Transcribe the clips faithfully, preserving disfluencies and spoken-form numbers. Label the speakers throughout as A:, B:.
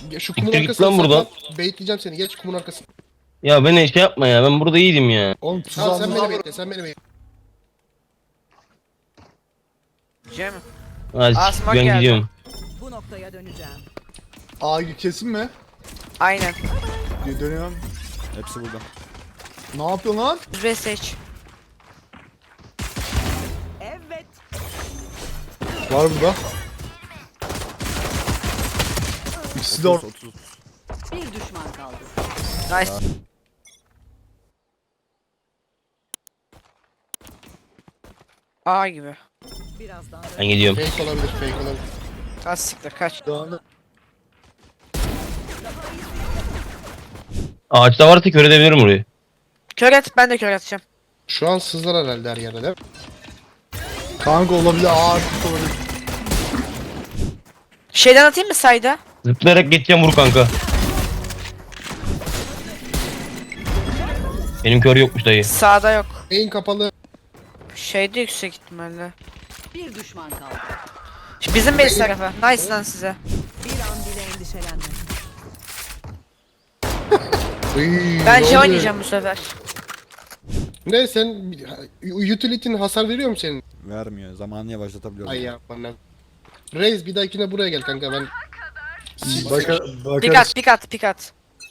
A: Şu kumun
B: Siktir git
A: arkasına
B: lan buradan.
A: saklan. Baitleyeceğim seni. Geç kumun arkasına.
B: Ya beni şey yapma ya, ben burada iyiydim ya.
C: Oğlum tuz
A: Tamam sen
C: aldım.
A: beni bekle. Sen beni bekle.
D: Cem.
B: Hadi
D: Asma
B: ben
D: geldi.
B: gidiyorum.
E: Bu noktaya döneceğim.
C: Aa kesin mi?
D: Aynen.
C: Dönüyorum.
F: Hepsi burada.
C: Ne yapıyorsun lan?
D: Ve seç.
E: Evet.
C: Var burada. İkisi de orada.
F: otuz, otuz.
E: Bir düşman kaldı.
D: Nice. A gibi.
E: Birazdan
B: Ben gidiyorum.
A: Fake olabilir. Fake olabilir.
D: Az siktir kaç.
B: Ağaçta varsa kör edebilirim orayı.
D: Kör et, ben de kör atacağım.
A: Şu an sızlar herhalde her yerde değil mi?
C: Kanka olabilir. Ağır tut olabilir.
D: Şeyden atayım mı sayda?
B: Zıplayarak geçeceğim, vur kanka. Benim kör yokmuş dayı.
D: Sağda yok.
A: Beyin kapalı.
D: Şeyde yüksek ihtimalle.
E: bir düşman kaldı.
D: Bizim base tarafı. Nice lan size.
E: Bir an bile endişelenme.
A: Iy,
D: Ben
A: ne
D: J
A: oluyor?
D: oynayacağım bu sefer.
A: Ne sen utility'nin hasar veriyor mu senin?
F: Vermiyor. Zamanını yavaşlatabiliyorum.
A: Ay ya bana. Reis bir dahakine buraya gel kanka ben.
C: Baka,
D: Pik
C: bakarız.
D: at, pik at, pik at.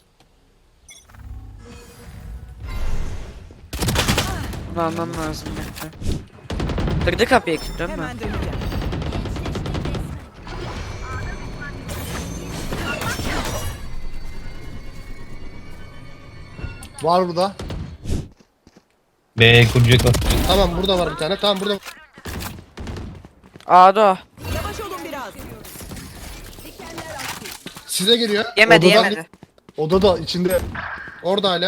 D: Bunu almam lazım bekle. Kırdı kapıyı değil mi?
E: Hemen döneceğim.
C: Var burada.
B: B kuracak var.
A: Tamam burada var bir tane. Tamam burada.
D: A'da o.
E: Yavaş olun biraz.
A: Size geliyor.
D: Yemedi
C: Odadan-
D: yemedi.
C: Odada içinde.
A: Orada hala.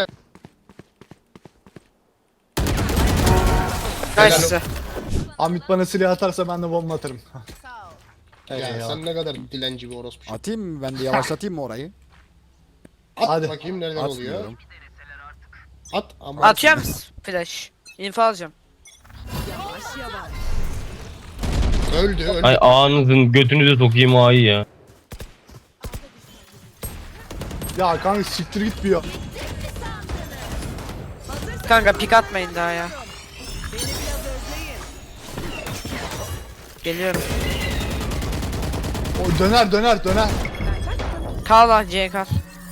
D: Nice size.
C: Hamit bana silah atarsa ben de bomba atarım.
A: Ya
C: Eyvallah.
A: sen ne kadar dilenci bir orospu.
F: Atayım mı? Ben de yavaşlatayım mı orayı?
A: At
C: Hadi.
A: bakayım nereden oluyor.
F: Atmıyorum.
A: At ama.
D: Atıyor musun flash? Info alacağım.
E: Yavaş yavaş.
A: Öldü öldü.
B: Ay ağanızın götünüze sokayım A'yı ya.
C: Ya kanka siktir git bir ya.
D: Kanka pik atmayın daha ya. Geliyorum.
C: O döner döner döner.
D: Kal lan C kal.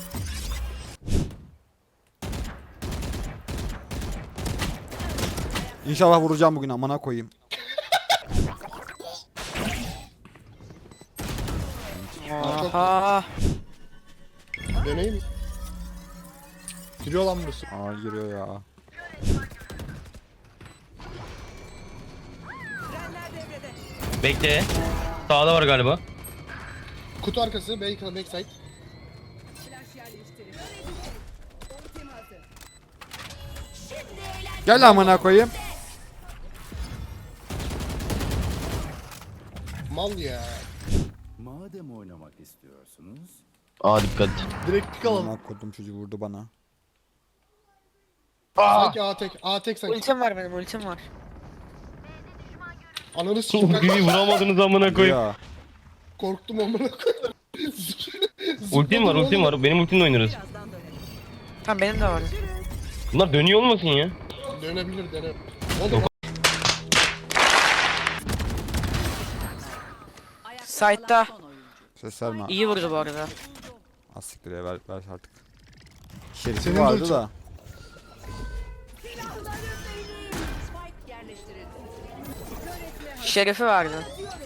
F: İnşallah vuracağım bugün, amına koyayım.
D: Aha.
A: Döneyim mi?
C: Giriyor lan burası.
F: Aa giriyor ya.
B: Bekle. Sağda var galiba.
A: Kutu arkası. Back, backside.
F: Gel amına koyayım.
A: Mal ya.
G: Madem oynamak istiyorsunuz,
B: A dikkat.
C: Direkt pik alalım.
F: Amına koydum, çocuğu vurdu bana.
A: Sanki A tek. A tek sanki.
D: Ultim var benim ultim var.
A: Ananı sikim kanka.
B: Ultiyi vuramadınız amına koyayım.
F: Ya.
A: Korktum amına koyayım.
B: Ultim var, ultim var. Benim ultimle oynarız.
E: Birazdan dönelim.
D: Tamam benim de var.
B: Bunlar dönüyor olmasın ya.
A: Dönebilir dönebilir. Oğlum
E: Ayakta
D: Side'da.
E: kalan son oyuncu.
F: Ses verme.
D: İyi vurdu bu arada.
F: Az siktir ya, ver, ver artık. Şerifi
C: Senin
F: vardı
C: de-
F: da.
E: Spike yerleştirildi.
D: Şerefi vardı.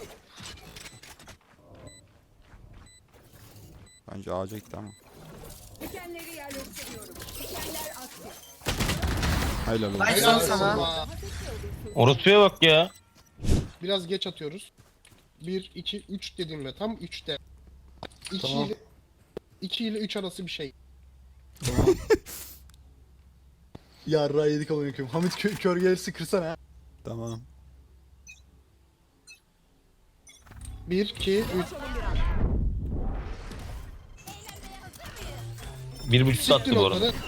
F: Bence ağaca gitti ama.
E: Dikenleri yerleştiriyorum. Dikenler aktif.
F: Helal olsun.
D: Nice
A: helal
D: lan
A: olsun
D: sana.
A: ha.
B: Orospuya bak ya.
A: Biraz geç atıyoruz. bir, iki, üç dediğimde tam üçte. iki
C: Tamam.
A: ile iki ile üç arası bir şey.
C: Yarra yedik amına koyayım. Hamit kö kör gelirse kırsana.
F: Tamam.
A: bir, iki, üç.
B: Bir buçuk
A: Siktir
B: attı bu arada.
A: onları.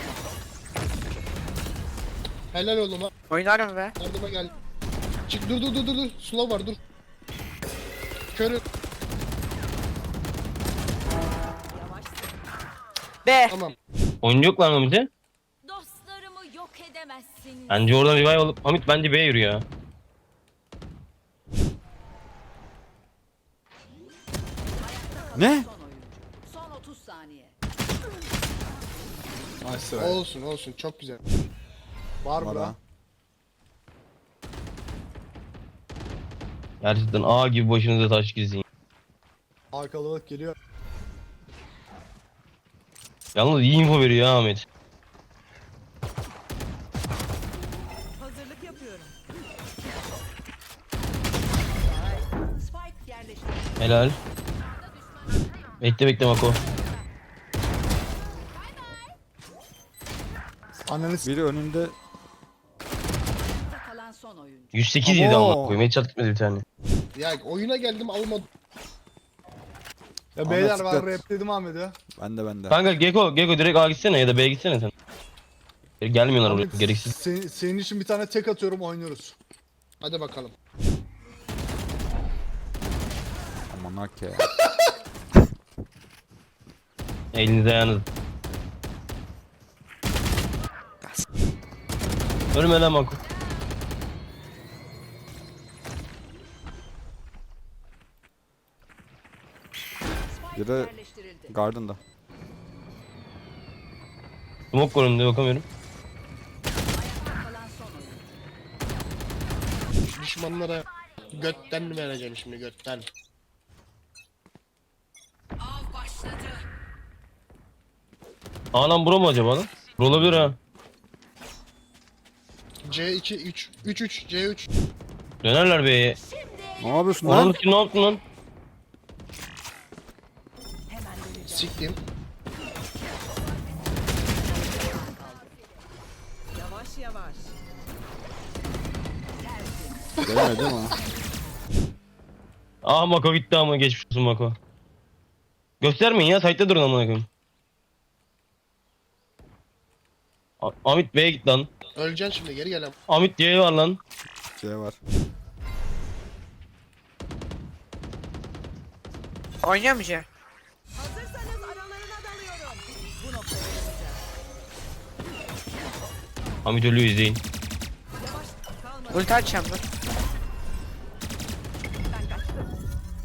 A: Helal oğlum ha.
D: Oynarım be.
A: Yardıma gel. Çık dur dur dur dur dur. Slow var dur. Körü.
D: B.
A: Tamam.
B: Oyuncu yok lan Hamit'e.
H: Dostlarımı yok edemezsin.
B: Bence oradan revive alıp Hamit bence B'ye yürü ya.
F: Ne?
E: Son oyuncu. Son otuz saniye.
C: Nice try.
A: Olsun olsun çok güzel.
C: Var
F: Var
C: bura.
F: ha.
B: Gerçekten A gibi başınıza taş gizleyin.
C: Arkalık geliyor.
B: Yalnız iyi info veriyor ya Ahmet.
E: Hazırlık yapıyorum. Spike yerleştirildi.
B: Helal. Bekle bekle Mako.
C: Ananı s***.
F: Biri önünde.
E: Ayakta kalan son oyuncu.
B: yüz sekiz yedi
F: Abo.
B: ama koyayım. Headshot gitmedi bir tane.
A: Ya oyuna geldim almadım.
C: Ya beyler
F: Ahmet
C: ben
F: dikkat.
C: rap dedim Ahmet'e.
F: Bende bende.
B: Kanka Geko, Geko direkt A gitsene ya da B'ye gitsene sen. Gelmiyorlar buraya
C: Ahmet,
B: gereksiz.
C: sen- senin için bir tane tek atıyorum oynuyoruz.
A: Hadi bakalım.
F: Aman hak ya.
B: Elinize ayağınız. Ölme lan Mako.
E: Spike
F: Biri
E: yerleştirildi.
F: Garden'da.
B: Smoke var önünde bakamıyorum.
E: Ayakta kalan son oyuncu.
A: Düşmanlara götten vereceğim şimdi götten.
E: Av başladı.
B: Aa lan bura mı acaba lan? Bura olabilir ha.
A: C iki üç üç üç C üç.
B: Dönerler B'ye.
F: Ne yapıyorsun
B: Lan
F: lan?
B: kim ne yaptın lan?
A: Siktim.
E: Yavaş yavaş.
F: Gelmedi değil mi?
B: Aa Mako gitti ama geçmiş olsun Mako. Göstermeyin ya site'de durun amına koyayım. A- Amit B'ye git lan.
A: Öleceksin şimdi geri gel.
B: Amit C'ye var lan.
F: Şey var.
D: Oynuyor mu C?
E: Hazırsanız aralarına dalıyorum. Bu noktaya
B: Amit ölüyor izleyin.
E: yavaş kalma.
D: Ulti açacağım dur.
E: Ben kaçtım.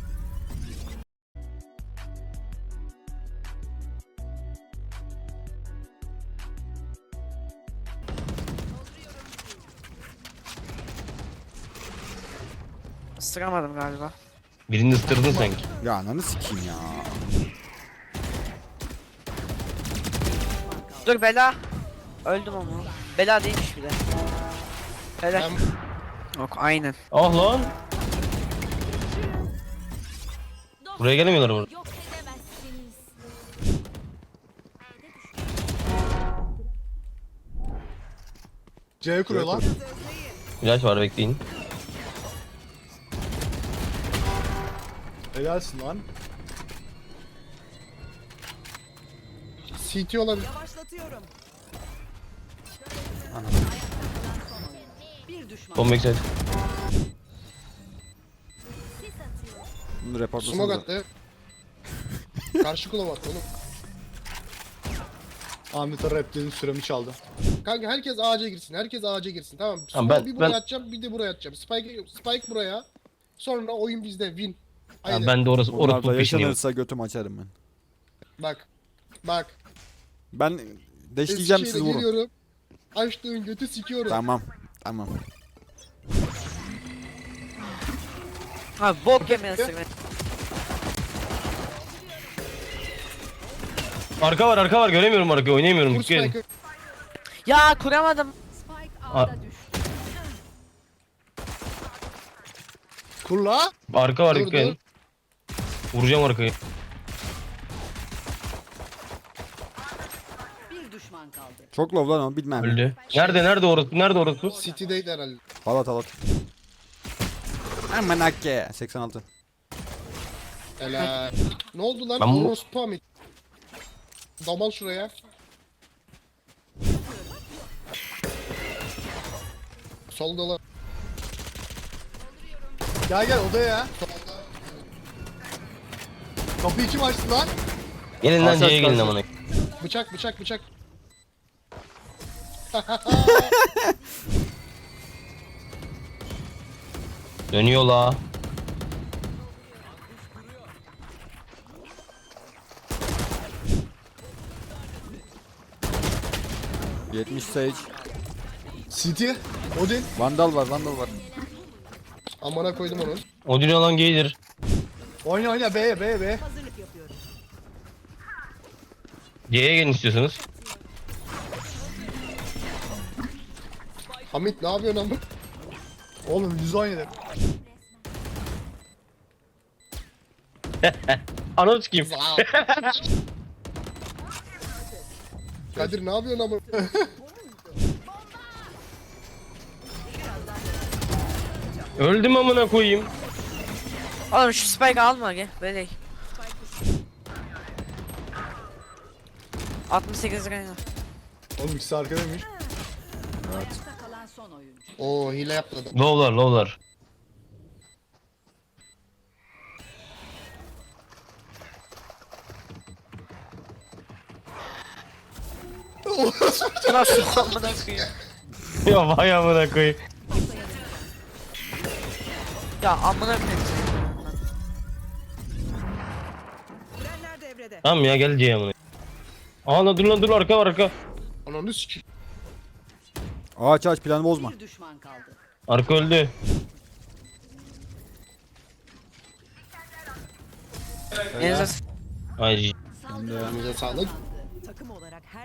D: Isıramadım galiba.
B: Birini ıstırdın sanki.
F: Ya ananı sikeyim ya.
D: Dur bela. Öldüm ama. Bela değilmiş bir de. Helal.
A: Ben
D: Yok aynen.
B: Ah lan. Buraya gelemiyorlar burada.
H: Yok edemezsiniz.
C: C kuruyor lan.
B: İlaç var bekleyin.
C: Helalsin lan.
A: C T olabilir.
E: Yavaşlatıyorum. Bir düşman.
B: Son backside.
F: Bunu
A: Smoke
F: reportlasana.
A: attı. Karşı kulak attı oğlum.
C: Ahmet'e rap dedim süremi çaldı.
A: Kanka herkes ağaca girsin. Herkes ağaca girsin. Tamam.
B: Tamam,
A: Smoke'u
B: ben-
A: bir buraya
B: ben-
A: atacağım, bir de buraya atacağım. Spike Spike buraya. Sonra oyun bizde. Win.
B: Ya
A: Haydi.
B: ben de orası
F: Bunlar
B: orası
F: da
B: peşindeyim.
F: yaşanırsa götümü açarım ben.
A: Bak. Bak.
F: Ben deşleyeceğim siz
A: Eskişehir'e
F: vurun.
A: geliyorum. Açtığın götü sikiyorum.
F: Tamam. Tamam.
D: Ha bok yemeyen ısırma.
B: Arka var arka var göremiyorum arkayı oynayamıyorum.
A: Vur
B: Dikkat edin.
A: Spike'ı.
D: Ya kuramadım.
E: Spike
B: Aa.
E: ağda düştü.
C: Kurla.
B: Arka var
A: Dur,
B: dikkat edin. Vuracağım arkayı.
E: Bir düşman kaldı.
F: Çok low lan o bilmem.
B: Öldü. Nerede nerede orası? Nerede orası?
A: City'deydi herhalde.
F: Halat halat. Aman hakke. seksen altı.
A: Helal. Ne oldu lan?
B: Ben bu-
A: Orospu Hamit. Damal şuraya. Solda lan.
C: Gel gel odaya. Kapıyı kim açtı lan?
B: Gelin lan
F: Karşı
B: C'ye
F: karşı.
B: gelin amına.
A: Bıçak bıçak bıçak.
B: Dönüyor la.
F: yetmiş Sage.
C: City. Odin.
F: Vandal var, Vandal var.
A: Amına koydum onu.
B: Odin olan gelir.
C: Oyna oyna B'ye B'ye B'ye.
E: Hazırlık yapıyorum.
B: C'ye gelin istiyorsanız.
A: Hamit ne yapıyorsun ama?
C: Oğlum yüz oynadı.
B: Ananı sikeyim.
A: Kadir ne yapıyorsun ama?
B: Öldüm amına koyayım.
D: Oğlum şu spike alma gel böyle. altmış sekiz liraya.
C: Oğlum ikisi arkadaymış.
E: Ayakta kalan son oyuncu.
A: Oo hile yapmadım.
B: Low'lar low'lar.
D: Nasıl amına koyayım?
B: Ya vay amına koyayım.
D: Ya amına koyayım.
E: Frenler devrede.
B: Tamam ya gel C'ye amına. Aa lan dur lan dur arka var arka.
A: Ananı sikeyim.
F: Ağaç ağaç, planı bozma.
E: Bir düşman kaldı.
B: Arka öldü.
D: Elinize
B: Ay
A: Elinize sağlık.